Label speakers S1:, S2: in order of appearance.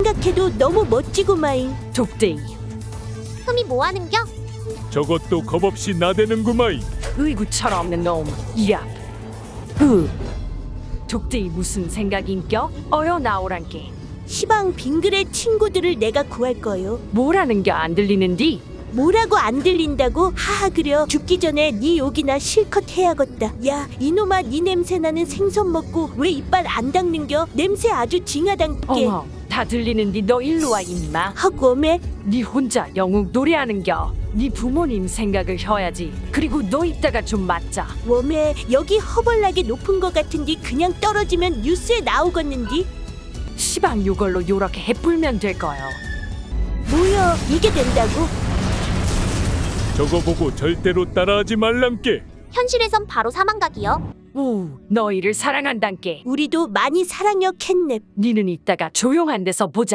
S1: 생각해도 너무 멋지고 마잉.
S2: 독대이.
S3: 흠이 뭐하는겨?
S4: 저것도 겁없이 나대는구마이.
S2: 의구 철없는 놈. 야. 독대이 무슨 생각인겨? 어여 나오란께.
S1: 시방 빙글의 친구들을 내가 구할 거요.
S2: 뭐라는겨 안 들리는디?
S1: 뭐라고 안 들린다고? 하하 그려. 죽기 전에 네 욕이나 실컷 해야겠다. 야 이놈아, 네 냄새 나는 생선 먹고 왜 이빨 안 닦는겨? 냄새 아주 징하단께.
S2: 어머, 다 들리는디 너 일로 와 임마.
S1: 허고매.
S2: 네 혼자 영웅 노래하는겨. 네 부모님 생각을 해야지. 그리고 너 이따가 좀 맞자.
S1: 웜에 여기 허벌나게 높은 거 같은디 그냥 떨어지면 뉴스에 나오겠는디?
S2: 시방 요걸로 요렇게 해불면 될 거요.
S1: 뭐야 이게 된다고?
S4: 저거 보고 절대로 따라하지 말람께.
S3: 현실에선 바로 사망각이요.
S2: 우, 너희를 사랑한단께.
S1: 우리도 많이 사랑여 캣냅.
S2: 니는 이따가 조용한 데서 보자.